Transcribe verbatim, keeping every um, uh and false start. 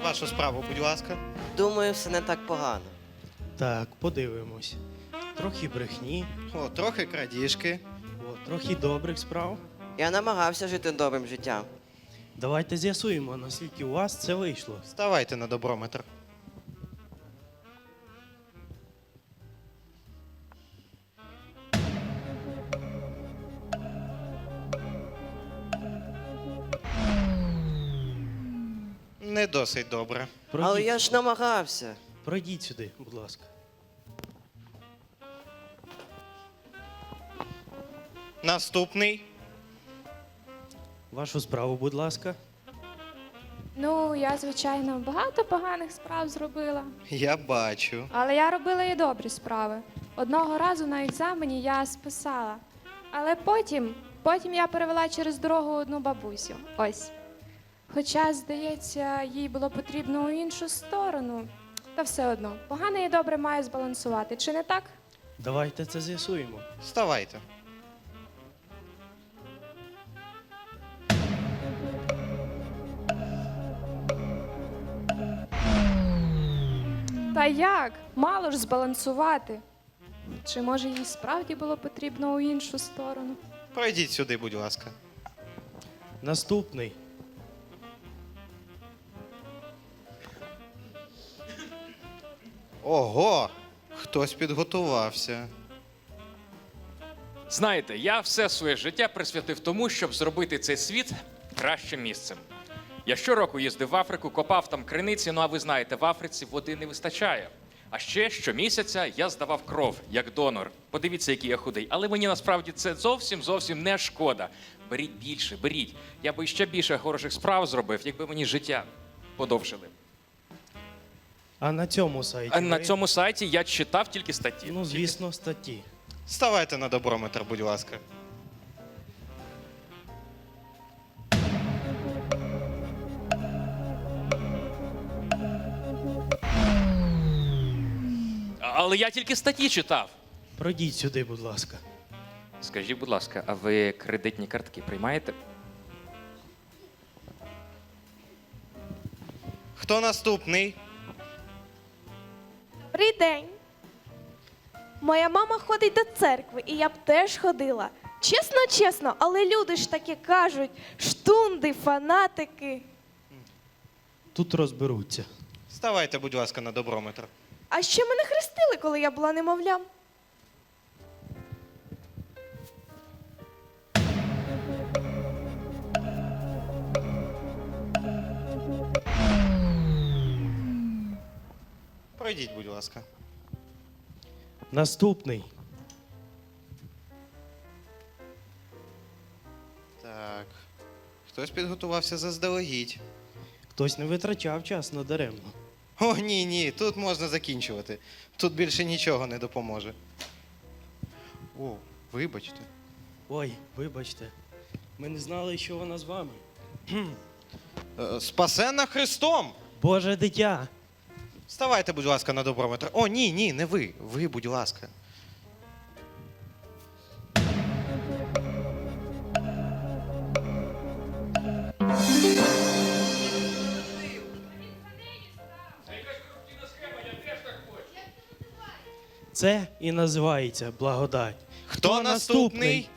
Вашу справу, будь ласка. Думаю, все не так погано. Так, подивимось. Трохи брехні, О, трохи крадіжки. о, трохи добрих справ. Я намагався жити добрим життям. Давайте з'ясуємо, наскільки у вас це вийшло. Ставайте на доброметр. Не досить добре. Пройдіть, Але я ж намагався. пройдіть сюди, будь ласка. Наступний. Вашу справу, будь ласка. Ну, я, звичайно, багато поганих справ зробила, Я бачу. але я робила і добрі справи. Одного разу на екзамені я списала, але потім, потім я перевела через дорогу одну бабусю. Ось. Хоча, здається, їй було потрібно у іншу сторону. Та все одно, погане і добре має збалансувати, чи не так? Давайте це з'ясуємо. Ставайте. Та як? Мало ж збалансувати. Чи може їй справді було потрібно у іншу сторону? Пройдіть сюди, будь ласка. Наступний. Ого! Хтось підготувався. Знаєте, я все своє життя присвятив тому, щоб зробити цей світ кращим місцем. Я щороку їздив в Африку, копав там криниці, ну а ви знаєте, в Африці води не вистачає. А ще щомісяця я здавав кров, як донор. Подивіться, який я худий. Але мені насправді це зовсім, зовсім не шкода. Беріть більше, беріть. Я би ще більше хороших справ зробив, якби мені життя подовжили. А на цьому сайті. А на ви- цьому сайті я читав тільки статті. Ну, звісно, статті. Ставайте на доброметр, будь ласка. Але я тільки статті читав. Пройдіть сюди, будь ласка. Скажіть, будь ласка, а ви кредитні картки приймаєте? Хто наступний? Добрий день. Моя мама ходить до церкви, і я б теж ходила. Чесно, чесно, але люди ж таки кажуть, штунди, фанатики. Тут розберуться. Ставайте, будь ласка, на доброметр. А ще мене хрестили, коли я була немовлям. Пройдіть, будь ласка. Наступний. Так. Хтось підготувався заздалегідь. Хтось не витрачав час надаремно. О, ні, ні, тут можна закінчувати. Тут більше нічого не допоможе. О, вибачте. Ой, вибачте. Ми не знали, що вона з вами. Е, Спасенна Христом! Боже дитя! Ставайте, будь ласка, на доброметр. О, ні, ні, не ви. Ви, будь ласка. Це і називається благодать. Хто наступний?